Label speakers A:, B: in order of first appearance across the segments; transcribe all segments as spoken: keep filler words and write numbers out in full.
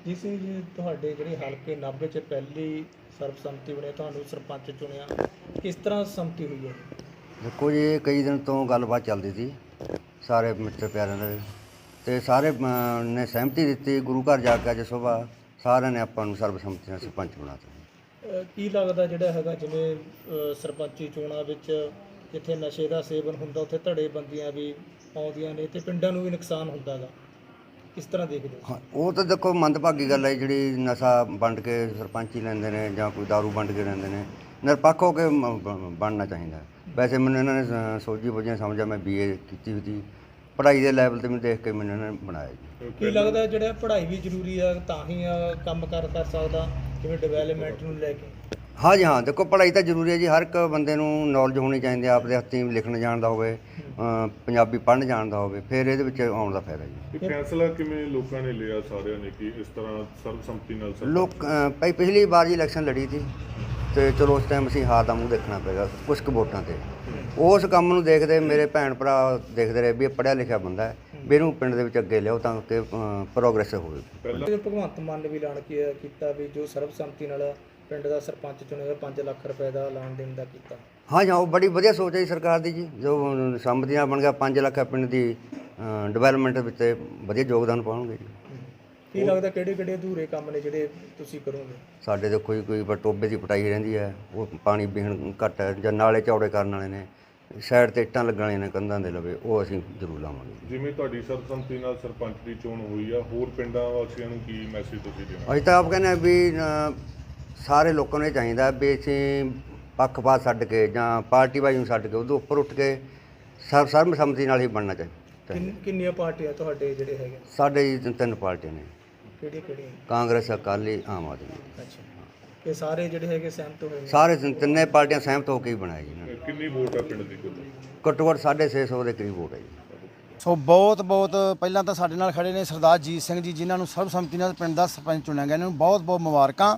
A: ਜੀ ਸਿੰਘ ਜੀ, ਤੁਹਾਡੇ ਜਿਹੜੇ ਹਲਕੇ ਨਾਭੇ 'ਚ ਪਹਿਲੀ ਸਰਬਸੰਮਤੀ ਬਣੀ, ਤੁਹਾਨੂੰ ਸਰਪੰਚ ਚੁਣਿਆ, ਕਿਸ ਤਰ੍ਹਾਂ ਸੰਮਤੀ ਹੋਈ ਹੈ?
B: ਦੇਖੋ ਜੀ, ਇਹ ਕਈ ਦਿਨ ਤੋਂ ਗੱਲਬਾਤ ਚੱਲਦੀ ਸੀ ਸਾਰੇ ਮਿੱਤਰ ਪਿਆਰਿਆਂ ਦੇ, ਅਤੇ ਸਾਰੇ ਅਮ, ਨੇ ਸਹਿਮਤੀ ਦਿੱਤੀ। ਗੁਰੂ ਘਰ ਜਾ ਕੇ ਅੱਜ ਸੁਬਾਹ ਸਾਰਿਆਂ ਨੇ ਆਪਾਂ ਨੂੰ ਸਰਬਸੰਮਤੀ ਨਾਲ ਸਰਪੰਚ ਬਣਾਤਾ।
A: ਅਹ ਕੀ ਲੱਗਦਾ ਜਿਹੜਾ ਹੈਗਾ, ਜਿਵੇਂ ਅਹ ਸਰਪੰਚੀ ਚੋਣਾਂ ਵਿੱਚ ਜਿੱਥੇ ਨਸ਼ੇ ਦਾ ਸੇਵਨ ਹੁੰਦਾ ਉੱਥੇ ਧੜੇ ਬੰਦੀਆਂ ਵੀ ਆਉਂਦੀਆਂ ਨੇ ਅਤੇ ਪਿੰਡਾਂ ਨੂੰ ਵੀ ਨੁਕਸਾਨ ਹੁੰਦਾ ਗਾ, ਕਿਸ ਤਰ੍ਹਾਂ ਦੇਖਦੇ ਹੋ?
B: ਹਾਂ, ਉਹ ਤਾਂ ਦੇਖੋ ਮੰਦਭਾਗੀ ਗੱਲ ਹੈ ਜਿਹੜੀ ਨਸ਼ਾ ਵੰਡ ਕੇ ਸਰਪੰਚੀ ਲੈਂਦੇ ਨੇ ਜਾਂ ਕੋਈ ਦਾਰੂ ਵੰਡ ਕੇ ਲੈਂਦੇ ਨੇ। ਨਿਰਪੱਖ ਹੋ ਕੇ ਮ- ਬ- ਬਣਨਾ ਚਾਹੀਦਾ। ਵੈਸੇ ਮੈਨੂੰ ਇਹਨਾਂ ਨੇ ਸ- ਸੋਝੀ ਬੁੱਝੀ ਸਮਝਿਆ, ਮੈਂ ਬੀ ਏ ਕੀਤੀ ਹੋਈ ਸੀ, ਪੜ੍ਹਾਈ ਦੇ ਲੈਵਲ 'ਤੇ ਮੈਨੂੰ ਦੇਖ ਕੇ ਮੈਨੂੰ ਇਹਨਾਂ ਨੇ ਬਣਾਇਆ ਜੀ।
A: ਕੀ ਲੱਗਦਾ ਜਿਹੜਾ ਪੜ੍ਹਾਈ ਵੀ ਜ਼ਰੂਰੀ ਆ ਤਾਂ ਹੀ ਆ ਕੰਮ ਕਰ ਕਰ ਸਕਦਾ, ਜਿਵੇਂ ਡਿਵੈਲਪਮੈਂਟ ਨੂੰ ਲੈ ਕੇ?
B: ਹਾਂ ਜੀ, ਹਾਂ, ਦੇਖੋ ਪੜ੍ਹਾਈ ਤਾਂ ਜ਼ਰੂਰੀ ਹੈ ਜੀ। ਹਰ ਇੱਕ ਬੰਦੇ ਨੂੰ ਨੌਲੇਜ ਹੋਣੀ ਚਾਹੀਦੀ ਹੈ, ਆਪਦੇ ਹੱਥੀਂ ਲਿਖਣ ਜਾਣਦਾ ਹੋਵੇ, ਅ, ਪੰਜਾਬੀ ਪੜ੍ਹਨ ਜਾਣਦਾ ਹੋਵੇ, ਫਿਰ ਇਹਦੇ ਵਿੱਚ ਆਉਣ ਦਾ ਫਾਇਦਾ ਜੀ।
C: ਇਹ ਫੈਸਲਾ ਕਿਵੇਂ ਲੋਕਾਂ ਨੇ ਲਿਆ ਸਾਰਿਆਂ ਨੇ ਕਿ ਇਸ ਤਰ੍ਹਾਂ ਸਰਬਸੰਮਤੀ ਨਾਲ ਸਰਪੰਚ?
B: ਲੋਕ ਅ, ਭਾਈ ਪਿਛਲੀ ਵਾਰ ਜੀ ਇਲੈਕਸ਼ਨ ਲੜੀ ਸੀ ਅਤੇ ਚਲੋ ਉਸ ਟਾਈਮ ਅਸੀਂ ਹਾਰ ਦਾ ਮੂੰਹ ਦੇਖਣਾ ਪਏਗਾ ਕੁਛ ਕੁ ਵੋਟਾਂ 'ਤੇ। ਉਸ ਕੰਮ ਨੂੰ ਦੇਖਦੇ ਮੇਰੇ ਭੈਣ ਭਰਾ ਦੇਖਦੇ ਰਹੇ ਵੀ ਇਹ ਪੜ੍ਹਿਆ ਲਿਖਿਆ ਬੰਦਾ ਹੈ, ਵੀ ਇਹਨੂੰ ਪਿੰਡ ਦੇ ਵਿੱਚ ਅੱਗੇ ਲਿਆਓ ਤਾਂ ਕਿ ਪ੍ਰੋਗਰੈਸ ਹੋਵੇ।
C: ਪਹਿਲਾਂ
A: ਭਗਵੰਤ ਮਾਨ ਨੇ ਵੀ ਐਲਾਨ ਕੀ ਕੀਤਾ ਵੀ ਜੋ ਸਰਬਸੰਮਤੀ ਨਾਲ ਪਿੰਡ ਦਾ ਸਰਪੰਚ ਚੁਣੇਗਾ ਪੰਜ ਲੱਖ ਰੁਪਏ ਦਾ ਐਲਾਨ ਦੇਣ ਦਾ ਕੀਤਾ।
B: ਹਾਂ ਜੀ, ਹਾਂ, ਉਹ ਬੜੀ ਵਧੀਆ ਸੋਚ ਹੈ ਜੀ ਸਰਕਾਰ ਦੀ ਜੀ। ਜੋ ਸੰਮਤੀ ਨਾਲ ਬਣ ਗਿਆ ਪੰਜ ਲੱਖ ਪਿੰਡ ਦੀ ਡਿਵੈਲਪਮੈਂਟ ਵਿੱਚ ਵਧੀਆ ਯੋਗਦਾਨ ਪਾਉਣਗੇ ਜੀ।
A: ਕੀ ਲੱਗਦਾ ਕਿਹੜੇ ਕਿਹੜੇ ਅਧੂਰੇ ਕੰਮ ਨੇ ਜਿਹੜੇ ਤੁਸੀਂ ਕਰੋਗੇ?
B: ਸਾਡੇ ਤਾਂ ਕੋਈ ਕੋਈ ਬ- ਟੋਬੇ ਦੀ ਪਟਾਈ ਰਹਿੰਦੀ ਹੈ, ਉਹ ਪਾਣੀ ਪੀਣ ਘੱਟ ਹੈ, ਜਾਂ ਨਾਲੇ ਚੌੜੇ ਕਰਨ ਵਾਲੇ ਨੇ, ਸਾਈਡ 'ਤੇ ਇੱਟਾਂ ਲੱਗਣ ਵਾਲੀਆਂ ਨੇ ਕੰਧਾਂ ਦੇ ਲਵੇ, ਉਹ ਅਸੀਂ ਜ਼ਰੂਰ ਲਾਵਾਂਗੇ।
C: ਜਿਵੇਂ ਤੁਹਾਡੀ ਸਰਬਸੰਮਤੀ ਨਾਲ ਸਰਪੰਚ ਦੀ ਚੋਣ ਹੋਈ ਆ, ਹੋਰ ਪਿੰਡਾਂ ਵਾਸੀਆਂ ਨੂੰ ਕੀ ਮੈਸੇਜ ਤੁਸੀਂ ਦੇਣਾ?
B: ਅਸੀਂ ਤਾਂ ਆਪ ਕਹਿੰਦੇ ਹਾਂ ਵੀ ਅ, ਸਾਰੇ ਲੋਕਾਂ ਨੂੰ ਇਹ ਚਾਹੀਦਾ ਵੀ ਅਸੀਂ ਪੱਖਪਾਤ ਛੱਡ ਕੇ ਜਾਂ ਪਾਰਟੀਬਾਜ਼ੀ ਨੂੰ ਛੱਡ ਕੇ ਉਹਦੇ ਉੱਪਰ ਉੱਠ ਕੇ ਸਰਬ ਸਰਬਸੰਮਤੀ ਨਾਲ ਹੀ ਬਣਨਾ ਚਾਹੀਦਾ।
A: ਕਿੰਨ- ਕਿੰਨੀਆਂ ਪਾਰਟੀਆਂ ਤੁਹਾਡੇ ਜਿਹੜੇ ਹੈਗੇ?
B: ਸਾਡੇ ਜੀ ਤਿੰਨ- ਤਿੰਨ ਪਾਰਟੀਆਂ ਨੇ,
A: ਕਿਹੜੀਆਂ ਕਿਹੜੀਆਂ?
B: ਕਾਂਗਰਸ, ਅਕਾਲੀ, ਆਮ ਆਦਮੀ।
A: ਅੱਛਾ, ਇਹ ਸਾਰੇ ਜਿਹੜੇ ਹੈਗੇ ਸਹਿਮਤ ਹੋਏ ਨੇ?
B: ਸਾਰੇ ਤਿੰਨ- ਤਿੰਨੇ ਪਾਰਟੀਆਂ ਸਹਿਮਤ ਹੋ ਕੇ ਹੀ ਬਣਾਇਆ ਜੀ ਇਹਨਾਂ ਨੇ।
C: ਕਿੰਨੀ ਵੋਟ ਆ ਪਿੰਡ ਦੀ ਕੁੱਲ?
B: ਘੱਟੋ ਘੱਟ ਸਾਢੇ ਛੇ ਸੌ ਦੇ ਕਰੀਬ ਵੋਟ ਹੈ ਜੀ।
D: ਸੋ ਬਹੁਤ ਬਹੁਤ ਪਹਿਲਾਂ ਤਾਂ ਸਾਡੇ ਨਾਲ ਖੜੇ ਨੇ ਸਰਦਾਰ ਜੀਤ ਸਿੰਘ ਜੀ, ਜਿਨ੍ਹਾਂ ਨੂੰ ਸਰਬਸੰਮਤੀ ਨਾਲ ਪਿੰਡ ਦਾ ਸਰਪੰਚ ਚੁਣਿਆ ਗਿਆ। ਇਹਨਾਂ ਨੂੰ ਬਹੁਤ ਬਹੁਤ ਮੁਬਾਰਕਾਂ।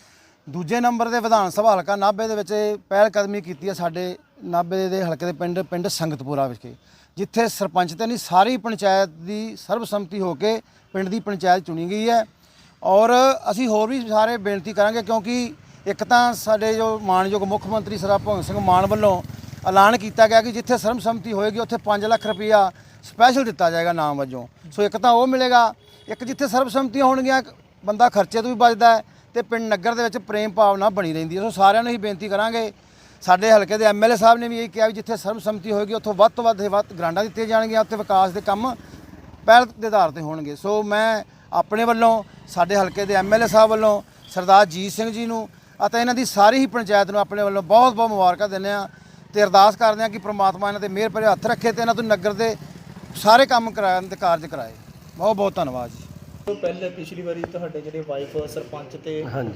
D: ਦੂਜੇ ਨੰਬਰ ਦੇ ਵਿਧਾਨ ਸਭਾ ਹਲਕਾ ਨਾਭੇ ਦੇ ਵਿੱਚ ਪਹਿਲ ਕਦਮੀ ਕੀਤੀ ਹੈ ਸਾਡੇ ਨਾਭੇ ਦੇ ਹਲਕੇ ਦੇ ਪਿੰਡ ਪਿੰਡ ਸੰਗਤਪੁਰਾ ਵਿਖੇ, ਜਿੱਥੇ ਸਰਪੰਚ ਤੇ ਨਹੀਂ ਸਾਰੀ ਪੰਚਾਇਤ ਦੀ ਸਰਬਸੰਮਤੀ ਹੋ ਕੇ ਪਿੰਡ ਦੀ ਪੰਚਾਇਤ ਚੁਣੀ ਗਈ ਹੈ। ਔਰ ਅਸੀਂ ਹੋਰ ਵੀ ਸਾਰੇ ਬੇਨਤੀ ਕਰਾਂਗੇ, ਕਿਉਂਕਿ ਇੱਕ ਤਾਂ ਸਾਡੇ ਜੋ ਮਾਣਯੋਗ ਮੁੱਖ ਮੰਤਰੀ ਸਰਦਾਰ ਭਗਵੰਤ ਸਿੰਘ ਮਾਨ ਵੱਲੋਂ ਐਲਾਨ ਕੀਤਾ ਗਿਆ ਕਿ ਜਿੱਥੇ ਸਰਬਸੰਮਤੀ ਹੋਏਗੀ ਉੱਥੇ ਪੰਜ ਲੱਖ ਰੁਪਈਆ ਸਪੈਸ਼ਲ ਦਿੱਤਾ ਜਾਏਗਾ ਨਾਮ ਵਜੋਂ। ਸੋ ਇੱਕ ਤਾਂ ਉਹ ਮਿਲੇਗਾ, ਇੱਕ ਜਿੱਥੇ ਸਰਬਸੰਮਤੀਆਂ ਹੋਣਗੀਆਂ ਬੰਦਾ ਖਰਚੇ ਤੋਂ ਵੀ ਬਚਦਾ ਹੈ ਤੇ ਪਿੰਡ ਨਗਰ ਦੇ ਵਿੱਚ ਪ੍ਰੇਮ ਭਾਵਨਾ ਬਣੀ ਰਹਿੰਦੀ ਹੈ। ਸੋ ਸਾਰਿਆਂ ਨੂੰ ਹੀ ਬੇਨਤੀ ਕਰਾਂਗੇ। ਸਾਡੇ ਹਲਕੇ ਦੇ ਐਮ ਐਲ ਏ ਸਾਹਿਬ ਨੇ ਵੀ ਇਹ ਕਿਹਾ ਵੀ ਜਿੱਥੇ ਸਰਬਸੰਮਤੀ ਹੋਏਗੀ ਉੱਥੋਂ ਵੱਧ ਤੋਂ ਵੱਧ ਵੱਧ ਗ੍ਰਾਂਟਾਂ ਦਿੱਤੀਆਂ ਜਾਣਗੀਆਂ, ਉੱਥੇ ਵਿਕਾਸ ਦੇ ਕੰਮ ਪਹਿਲ ਦੇ ਆਧਾਰ 'ਤੇ ਹੋਣਗੇ। ਸੋ ਮੈਂ ਆਪਣੇ ਵੱਲੋਂ, ਸਾਡੇ ਹਲਕੇ ਦੇ ਐਮ ਐਲ ਏ ਸਾਹਿਬ ਵੱਲੋਂ ਸਰਦਾਰ ਜੀਤ ਸਿੰਘ ਜੀ ਨੂੰ ਅਤੇ ਇਹਨਾਂ ਦੀ ਸਾਰੀ ਹੀ ਪੰਚਾਇਤ ਨੂੰ ਆਪਣੇ ਵੱਲੋਂ ਬਹੁਤ ਬਹੁਤ ਮੁਬਾਰਕਾਂ ਦਿੰਦੇ ਹਾਂ ਅਤੇ ਅਰਦਾਸ ਕਰਦੇ ਹਾਂ ਕਿ ਪ੍ਰਮਾਤਮਾ ਇਹਨਾਂ 'ਤੇ ਮਿਹਰ ਭਰੇ ਹੱਥ ਰੱਖੇ ਅਤੇ ਇਹਨਾਂ ਤੋਂ ਨਗਰ ਦੇ ਸਾਰੇ ਕੰਮ ਕਰਾਉਣ ਦੇ ਕਾਰਜ ਕਰਾਏ। ਬਹੁਤ ਬਹੁਤ ਧੰਨਵਾਦ ਜੀ।
A: ਪਹਿਲੇ ਪਿਛਲੀ ਵਾਰੀ ਤੁਹਾਡੇ ਜਿਹੜੇ ਵਾਈਫ ਸਰਪੰਚ ਤੇ ਹੁਣ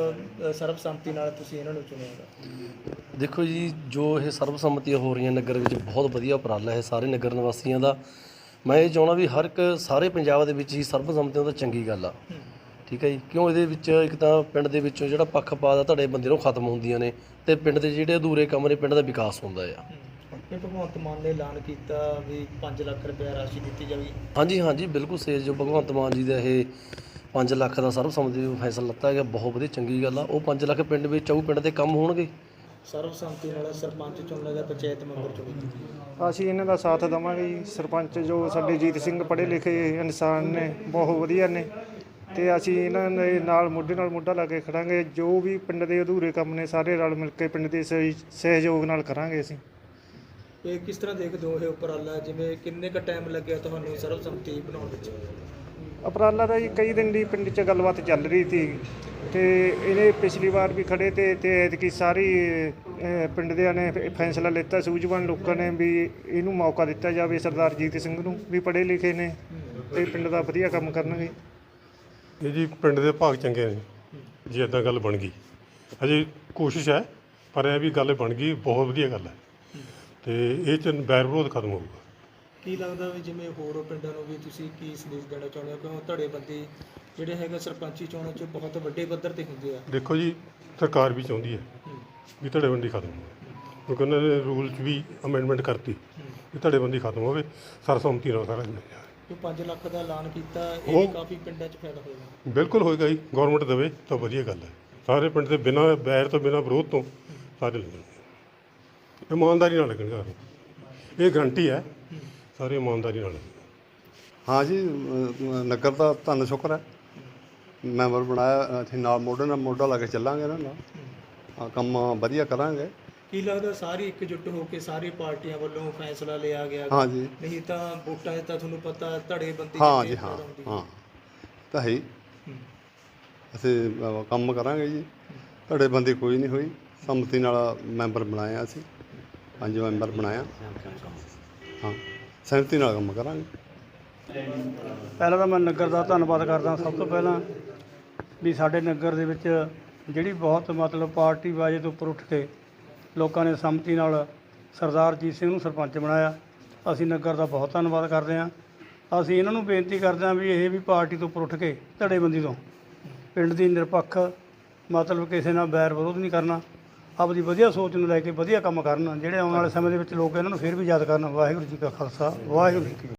A: ਅ, ਸਰਬਸੰਮਤੀ ਨਾਲ ਤੁਸੀਂ ਇਹਨਾਂ ਨੂੰ ਚੁਣਿਆਗਾ।
E: ਦੇਖੋ ਜੀ, ਜੋ ਇਹ ਸਰਬਸੰਮਤੀਆਂ ਹੋ ਰਹੀਆਂ ਨਗਰ ਵਿੱਚ ਬਹੁਤ ਵਧੀਆ ਉਪਰਾਲਾ ਹੈ ਸਾਰੇ ਨਗਰ ਨਿਵਾਸੀਆਂ ਦਾ। ਮੈਂ ਇਹ ਚਾਹੁੰਦਾ ਵੀ ਹਰ ਇੱਕ ਸਾਰੇ ਪੰਜਾਬ ਦੇ ਵਿੱਚ ਹੀ ਸਰਬਸੰਮਤੀਆਂ ਤਾਂ ਚੰਗੀ ਗੱਲ ਆ, ਠੀਕ ਹੈ ਜੀ। ਕਿਉਂ ਇਹਦੇ ਵਿੱਚ ਇੱਕ ਤਾਂ ਪਿੰਡ ਦੇ ਵਿੱਚੋਂ ਜਿਹੜਾ ਪੱਖਪਾਤ ਆ ਤੁਹਾਡੇ ਬੰਦੇ ਨੂੰ ਖਤਮ ਹੁੰਦੀਆਂ ਨੇ ਅਤੇ ਪਿੰਡ ਦੇ ਜਿਹੜੇ ਅਧੂਰੇ ਕੰਮ ਨੇ ਪਿੰਡ ਦਾ ਵਿਕਾਸ ਹੁੰਦਾ ਆ।
A: ਇਹ ਭਗਵੰਤ ਮਾਨ ਨੇ ਐਲਾਨ ਕੀਤਾ ਵੀ ਪੰਜ ਲੱਖ ਰੁਪਏ ਰਾਸ਼ੀ ਦਿੱਤੀ ਜਾਵੇਗੀ।
E: ਹਾਂਜੀ ਹਾਂਜੀ, ਬਿਲਕੁਲ ਸੇਜ ਜੋ ਭਗਵੰਤ ਮਾਨ ਜੀ ਦਾ ਇਹ ਪੰਜ ਲੱਖ ਦਾ ਸਰਬਸੰਮਤੀ ਦਾ ਫੈਸਲਾ ਲਿੱਤਾ ਗਿਆ, ਬਹੁਤ ਵਧੀਆ ਚੰਗੀ ਗੱਲ ਆ। ਉਹ ਪੰਜ ਲੱਖ ਪਿੰਡ ਵਿੱਚ ਆਊ, ਪਿੰਡ ਦੇ ਕੰਮ ਹੋਣਗੇ।
A: ਸਰਬਸੰਮਤੀ ਨਾਲ ਸਰਪੰਚ ਚੁਣਨ ਦਾ ਪੰਚਾਇਤ ਮੈਂਬਰ ਚੁਣੇਗੀ।
F: ਅਸੀਂ ਇਹਨਾਂ ਦਾ ਸਾਥ ਦੇਵਾਂਗੇ ਜੀ। ਸਰਪੰਚ ਜੋ ਸਾਡੇ ਜੀਤ ਸਿੰਘ ਪੜ੍ਹੇ ਲਿਖੇ ਇਨਸਾਨ ਨੇ, ਬਹੁਤ ਵਧੀਆ ਨੇ, ਅਤੇ ਅਸੀਂ ਇਹਨਾਂ ਦੇ ਨਾਲ ਮੋਢੇ ਨਾਲ ਮੋਢਾ ਲਾ ਕੇ ਖੜਾਂਗੇ। ਜੋ ਵੀ ਪਿੰਡ ਦੇ ਅਧੂਰੇ ਕੰਮ ਨੇ ਸਾਰੇ ਰਲ ਮਿਲ ਕੇ ਪਿੰਡ ਦੇ ਸਹਿ- ਸਹਿਯੋਗ ਨਾਲ ਕਰਾਂਗੇ ਅਸੀਂ।
A: ਇਹ ਕਿਸ ਤਰ੍ਹਾਂ ਦੇਖਦੇ ਹੋ ਇਹ ਉਪਰਾਲਾ, ਜਿਵੇਂ ਕਿੰਨੇ ਕੁ ਟਾਈਮ ਲੱਗਿਆ ਤੁਹਾਨੂੰ ਸਰਬਸੰਮਤੀ ਬਣਾਉਣ ਵਿੱਚ?
F: ਉਪਰਾਲਾ ਦਾ ਜੀ ਕਈ ਦਿਨ ਦੀ ਪਿੰਡ 'ਚ ਗੱਲਬਾਤ ਚੱਲ ਰਹੀ ਸੀ ਅਤੇ ਇਹਨੇ ਪਿਛਲੀ ਵਾਰ ਵੀ ਖੜੇ ਤੇ ਅਤੇ ਐਤਕੀ ਸਾਰੀ ਅ, ਪਿੰਡ ਦਿਆਂ ਨੇ ਫ- ਫੈਸਲਾ ਲਿੱਤਾ, ਸੂਝਵਾਨ ਲੋਕਾਂ ਨੇ, ਵੀ ਇਹਨੂੰ ਮੌਕਾ ਦਿੱਤਾ ਜਾਵੇ ਸਰਦਾਰ ਜੀਤ ਸਿੰਘ ਨੂੰ, ਵੀ ਪੜ੍ਹੇ ਲਿਖੇ ਨੇ ਅਤੇ ਪਿੰਡ ਦਾ ਵਧੀਆ ਕੰਮ ਕਰਨਗੇ।
G: ਇਹ ਜੀ ਪਿੰਡ ਦੇ ਭਾਗ ਚੰਗੇ ਨੇ ਜੀ, ਇੱਦਾਂ ਗੱਲ ਬਣ ਗਈ। ਅਜੇ ਕੋਸ਼ਿਸ਼ ਹੈ, ਪਰ ਇਹ ਵੀ ਗੱਲ ਬਣ ਗਈ, ਬਹੁਤ ਵਧੀਆ ਗੱਲ ਹੈ ਅਤੇ ਇਹ 'ਚ ਬੈਰ ਵਿਰੋਧ ਖਤਮ ਹੋਊਗਾ।
A: ਕੀ ਲੱਗਦਾ ਵੀ ਜਿਵੇਂ ਹੋਰ ਪਿੰਡਾਂ ਨੂੰ ਵੀ ਤੁਸੀਂ ਕੀ ਸੰਦੇਸ਼ ਦੇਣਾ ਚਾਹੁੰਦੇ ਹੋ, ਕਿਉਂ ਧੜੇਬੰਦੀ ਜਿਹੜੇ ਹੈਗੇ ਸਰਪੰਚੀ ਚੋਣਾਂ 'ਚ ਬਹੁਤ ਵੱਡੇ ਪੱਧਰ 'ਤੇ ਹੁੰਦੇ ਆ?
G: ਦੇਖੋ ਜੀ, ਸਰਕਾਰ ਵੀ ਚਾਹੁੰਦੀ ਹੈ ਵੀ ਧੜੇਬੰਦੀ ਖਤਮ ਹੋਵੇ, ਕਿਉਂਕਿ ਉਹਨਾਂ ਨੇ ਰੂਲ 'ਚ ਵੀ ਅਮੈਂਡਮੈਂਟ ਕਰਤੀ ਵੀ ਧੜੇਬੰਦੀ ਖਤਮ ਹੋਵੇ, ਸਰਬਸੰਮਤੀ ਨਾਲ ਸਾਰਾ
A: ਜੋ ਪੰਜ ਲੱਖ ਦਾ ਐਲਾਨ ਕੀਤਾ ਇਹ ਵੀ
G: ਉਹ-
A: ਕਾਫੀ ਪਿੰਡਾਂ 'ਚ ਫਾਇਦਾ ਹੋਏਗਾ।
G: ਬਿਲਕੁਲ ਹੋਏਗਾ ਜੀ, ਗਵਰਨਮੈਂਟ ਦੇਵੇ ਤਾਂ ਵਧੀਆ ਗੱਲ ਹੈ। ਸਾਰੇ ਪਿੰਡ ਦੇ ਬਿਨਾਂ ਬੈਰ ਤੋਂ ਬਿਨਾਂ ਵਿਰੋਧ ਤੋਂ ਸਾਰੇ ਲੱਗਣਗੇ, ਇਮਾਨਦਾਰੀ ਨਾਲ ਲੱਗਣਗੇ ਸਾਰੇ, ਇਹ ਗਰੰਟੀ ਹੈ, ਸਾਰੇ ਇਮਾਨਦਾਰੀ ਨਾਲ ਲੱਗਣਗੇ।
H: ਹਾਂ ਜੀ, ਅ, ਨਗਰ ਦਾ ਧੰਨ ਸ਼ੁਕਰ ਹੈ, ਮੈਂਬਰ ਬਣਾਇਆ, ਅਸੀਂ ਨਾਲ ਮੋਢੇ ਨਾਲ ਮੋਢਾ ਲਾ ਕੇ ਚੱਲਾਂਗੇ ਇਹਨਾਂ ਨਾਲ, ਹਾਂ, ਕੰਮ ਵਧੀਆ ਕਰਾਂਗੇ।
A: ਕੀ ਲੱਗਦਾ ਸਾਰੀ ਇਕਜੁੱਟ ਹੋ ਕੇ ਸਾਰੀ ਪਾਰਟੀਆਂ ਵੱਲੋਂ ਫੈਸਲਾ ਲਿਆ ਗਿਆ?
H: ਹਾਂ ਜੀ,
A: ਨਹੀਂ ਤਾਂ ਵੋਟਾਂ 'ਚ ਤਾਂ ਤੁਹਾਨੂੰ ਪਤਾ ਧੜੇਬੰਦੀ
H: ਹਾਂ
A: ਕਿੰਨੀ
H: ਜੀ, ਹਾਂ
A: ਜ਼ਿਆਦਾ ਹੁੰਦੀ ਹੈ।
H: ਹਾਂ ਤਾਂ ਹੈ ਹੀ।
A: ਹੂੰ।
H: ਅਸੀਂ ਅ, ਕੰਮ ਕਰਾਂਗੇ ਜੀ, ਧੜੇਬੰਦੀ ਕੋਈ ਨਹੀਂ ਹੋਈ, ਸੰਮਤੀ ਨਾਲ ਮੈਂਬਰ ਬਣਾਇਆ, ਅਸੀਂ ਪੰਜ ਮੈਂਬਰ ਬਣਾਇਆ, ਹਾਂ, ਸਹਿਮਤੀ ਨਾਲ ਕੰਮ ਕਰਾਂਗੇ।
I: ਪਹਿਲਾਂ ਤਾਂ ਮੈਂ ਨਗਰ ਦਾ ਧੰਨਵਾਦ ਕਰਦਾ ਸਭ ਤੋਂ ਪਹਿਲਾਂ ਵੀ ਸਾਡੇ ਨਗਰ ਦੇ ਵਿੱਚ ਜਿਹੜੀ ਬਹੁਤ ਮਤਲਬ ਪਾਰਟੀ ਬਾਜੇ ਤੋਂ ਉੱਪਰ ਉੱਠ ਕੇ ਲੋਕਾਂ ਨੇ ਸੰਮਤੀ ਨਾਲ ਸਰਦਾਰ ਜੀਤ ਸਿੰਘ ਨੂੰ ਸਰਪੰਚ ਬਣਾਇਆ। ਅਸੀਂ ਨਗਰ ਦਾ ਬਹੁਤ ਧੰਨਵਾਦ ਕਰਦੇ ਹਾਂ। ਅਸੀਂ ਇਹਨਾਂ ਨੂੰ ਬੇਨਤੀ ਕਰਦੇ ਹਾਂ ਵੀ ਇਹ ਵੀ ਪਾਰਟੀ ਤੋਂ ਉੱਪਰ ਉੱਠ ਕੇ ਧੜੇਬੰਦੀ ਤੋਂ ਪਿੰਡ ਦੀ ਨਿਰਪੱਖ ਮਤਲਬ ਕਿਸੇ ਨਾਲ ਬੈਰ ਵਿਰੋਧ ਨਹੀਂ ਕਰਨਾ, ਆਪਦੀ ਵਧੀਆ ਸੋਚ ਨੂੰ ਲੈ ਕੇ ਵਧੀਆ ਕੰਮ ਕਰਨ, ਜਿਹੜੇ ਆਉਣ ਵਾਲੇ ਸਮੇਂ ਦੇ ਵਿੱਚ ਲੋਕ ਇਹਨਾਂ ਨੂੰ ਫਿਰ ਵੀ ਯਾਦ ਕਰਨ। ਵਾਹਿਗੁਰੂ ਜੀ ਕਾ ਖਾਲਸਾ, ਵਾਹਿਗੁਰੂ ਜੀ ਕੀ ਫਤਿਹ।